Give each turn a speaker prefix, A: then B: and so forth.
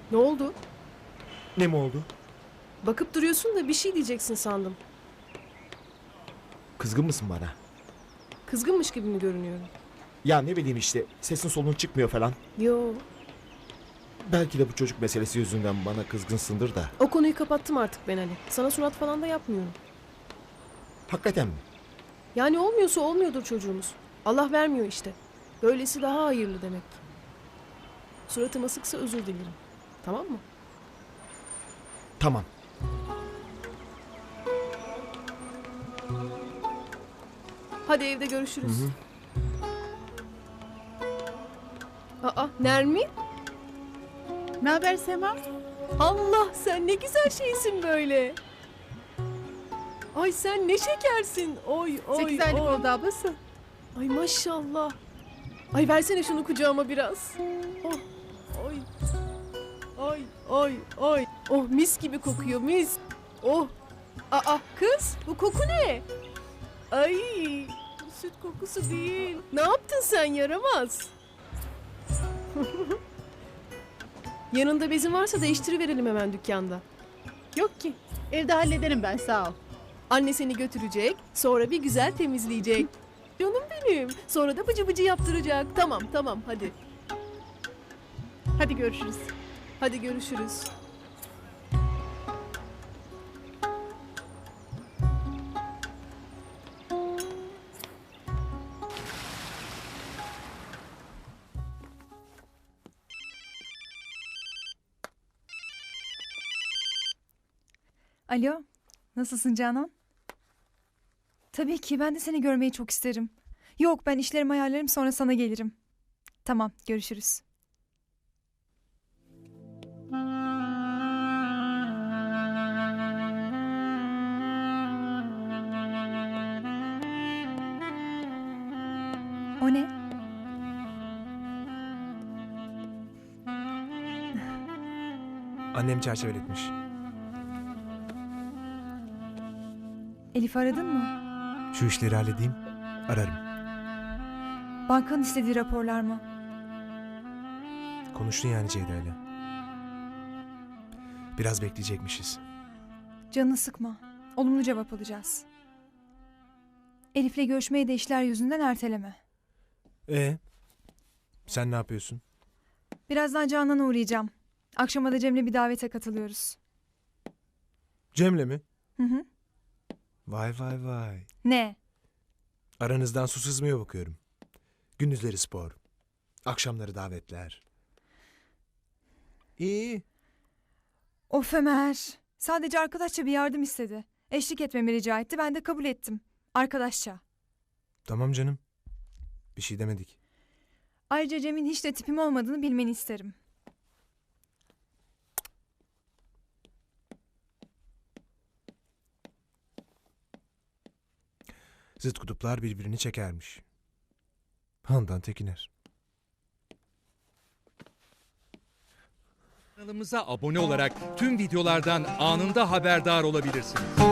A: Ne oldu?
B: Ne mi oldu?
A: Bakıp duruyorsun da bir şey diyeceksin sandım.
B: Kızgın mısın bana?
A: Kızgınmış gibi mi görünüyorum?
B: Ya ne bileyim işte sesin solun çıkmıyor falan.
A: Yo.
B: Belki de bu çocuk meselesi yüzünden bana kızgınsındır da.
A: O konuyu kapattım artık ben Ali. Sana surat falan da yapmıyorum.
B: Hakikaten mi?
A: Yani olmuyorsa olmuyordur çocuğumuz. Allah vermiyor işte. Böylesi daha hayırlı demek. Suratıma sıksa özür dilerim. Tamam mı?
B: Tamam.
A: Hadi evde görüşürüz.
B: Hı hı.
A: Aa, Nermin?
C: Ne haber Sema?
A: Allah, sen ne güzel şeysin böyle. Ay sen ne şekersin. Oy oy
C: 8 aylık
A: oy.
C: oldu ablası.
A: Ay maşallah. Ay versene şunu kucağıma biraz. Oh, oy. Oy, oy, oy. Oh mis gibi kokuyor mis. Oh. Aa kız bu koku ne? Ay bu süt kokusu değil. Ne yaptın sen yaramaz? Yanında bezin varsa değiştiriverelim hemen dükkanda.
C: Yok ki. Evde hallederim ben, sağ ol.
A: Anne seni götürecek, sonra bir güzel temizleyecek. Canım benim. Sonra da bıcı bıcı yaptıracak. Tamam tamam hadi.
C: Hadi görüşürüz.
A: Hadi görüşürüz.
D: Alo, nasılsın Canan? Tabii ki, ben de seni görmeyi çok isterim. Yok, ben işlerimi ayarlarım, sonra sana gelirim. Tamam, görüşürüz. O ne?
E: Annem çerçeveletmiş.
D: Elif aradın mı?
E: Şu işleri halledeyim, ararım.
D: Bankanın istediği raporlar mı?
E: Konuştun yani Ceyda'yla. Biraz bekleyecekmişiz.
D: Canını sıkma. Olumlu cevap alacağız. Elif'le görüşmeyi de işler yüzünden erteleme.
E: Sen ne yapıyorsun?
D: Birazdan Canan'a uğrayacağım. Akşama da Cem'le bir davete katılıyoruz.
E: Cem'le mi?
D: Hı hı.
E: Vay vay vay.
D: Ne?
E: Aranızdan su sızmıyor bakıyorum. Gündüzleri spor. Akşamları davetler. İyi.
D: Of Ömer. Sadece arkadaşça bir yardım istedi. Eşlik etmemi rica etti. Ben de kabul ettim. Arkadaşça.
E: Tamam canım. Bir şey demedik.
D: Ayrıca Cem'in hiç de tipim olmadığını bilmeni isterim.
E: Zıt kutuplar birbirini çekermiş. Handan Tekiner.
F: Kanalımıza abone olarak tüm videolardan anında haberdar olabilirsiniz.